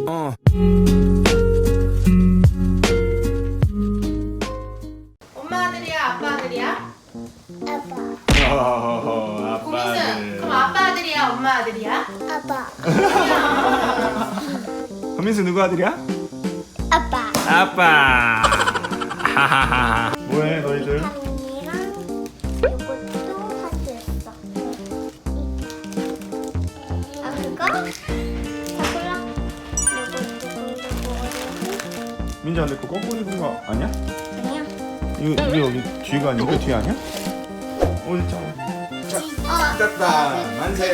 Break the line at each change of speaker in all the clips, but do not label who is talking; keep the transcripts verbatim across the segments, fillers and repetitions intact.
어.
엄마 아들이야, 아빠 아들이야?
아빠.
어, 아빠
고민승,
아들.
그럼 아빠 아들이야, 엄마 아들이야?
아빠.
고민수 누구 아들이야?
아빠.
아빠. 하하하. 뭐해 너희들?
언니랑 이것도 하트했어. 아 그거? 자꾸라. 이것도 그리고
민지 안돼 그거 거꾸로 입은 거 아니야?
아니야.
이거 이게 여기 뒤가 아니고 뒤 아니야? 어디 있잖아.
어.
됐다. 만세.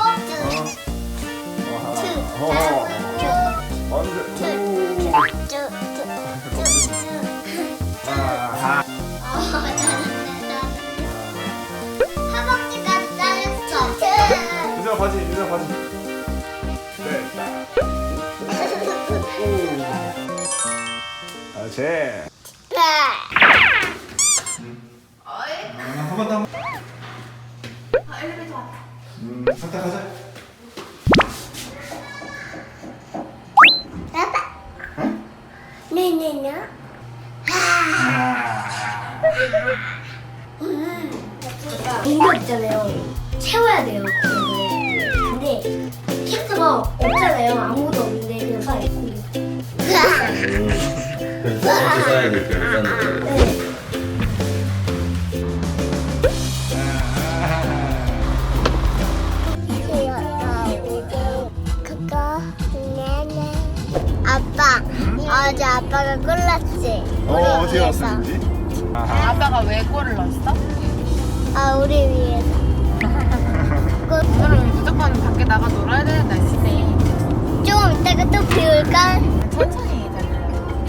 어. 만세. 아하.
허벅지까지 잘렸어.
민서 바지, 민서 바지. 됐다. 아, 제.
어이,
한 번 더.
아, 엘리베이터 왔다.
음, 갔다 가자.
아빠. 네네네.
인도 있잖아요. 채워야 돼요. 그거를. 근데 캐스가 없잖아요. 아무도 없는데 그냥 서 있고.
그래서 첫 번째 써야 될 때, 썼는데.
네.
그거 네네. 아빠 어제 아빠가 골랐지.
어, 어디 왔어, 민지?
아빠가 왜 꼴을 넣었어?
아 우리 위해서.
그럼 무조건 밖에 나가 놀아야 되는 날씨네.
좀 이따가 또 비올까?
천천히 달려.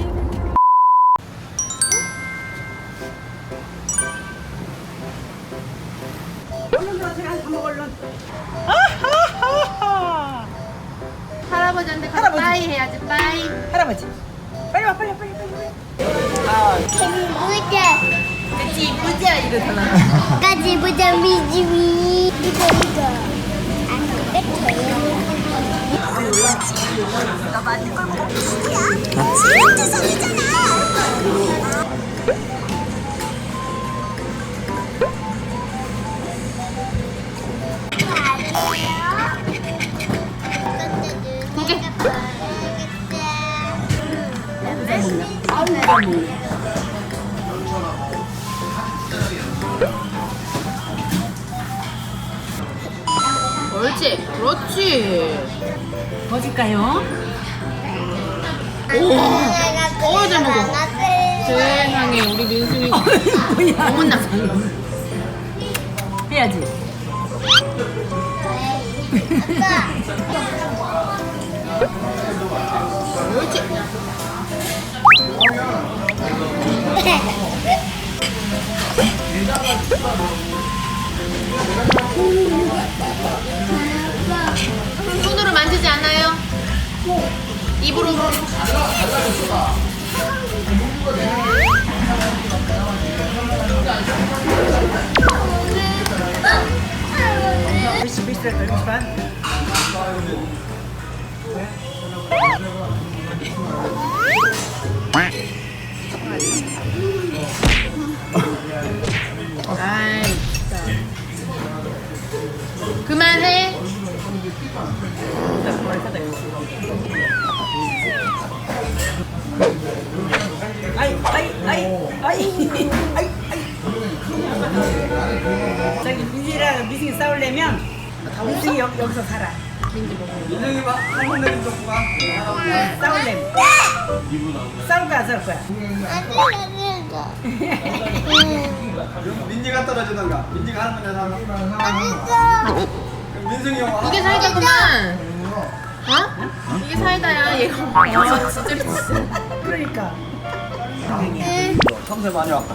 할아버지한테 가서 빠이 해야지, 빠이.
할아버지 빨리 와 빨리 와 빨리 빨리 빨리.
개미부자
그치, 이쁘지? 이러잖아.
까지 부자 미지미. 이거 이거. 안 뺏겨요.
옳지, 그렇지.
어딜까요?
어우, 잘 먹어. 세상에, 우리 민승이 어머나.
해야지.
옳지. 손으로 만지지 않아요? 입으로.
글씨 글씨 글씨만.
아이, 진짜. 그만해.
아이 아이 아이 아이 아이 아이. 저기 민지랑 미승이 싸우려면 민승이 여, 여기서 살아. 민승이 봐. 한번 내린 거 봐. 싸우려면 싸울 거야 안 싸울 거야.
민지가 떨어지던가 민지가 할머니한테 하면
어딨어?
민승이 형
이게 사이다구만. 어? 이게 사이다야. 얘가 어, 진짜 진짜.
그러니까.
탐새 많이 왔다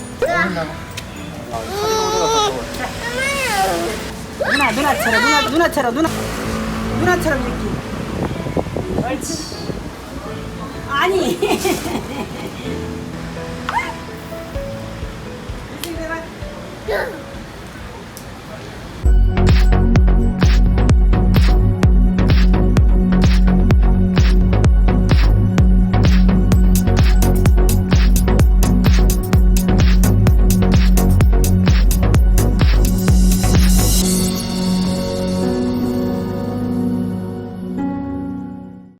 누나 누나처럼 누나 누나처럼 누나 누나처럼 이렇게. 옳지. 아니.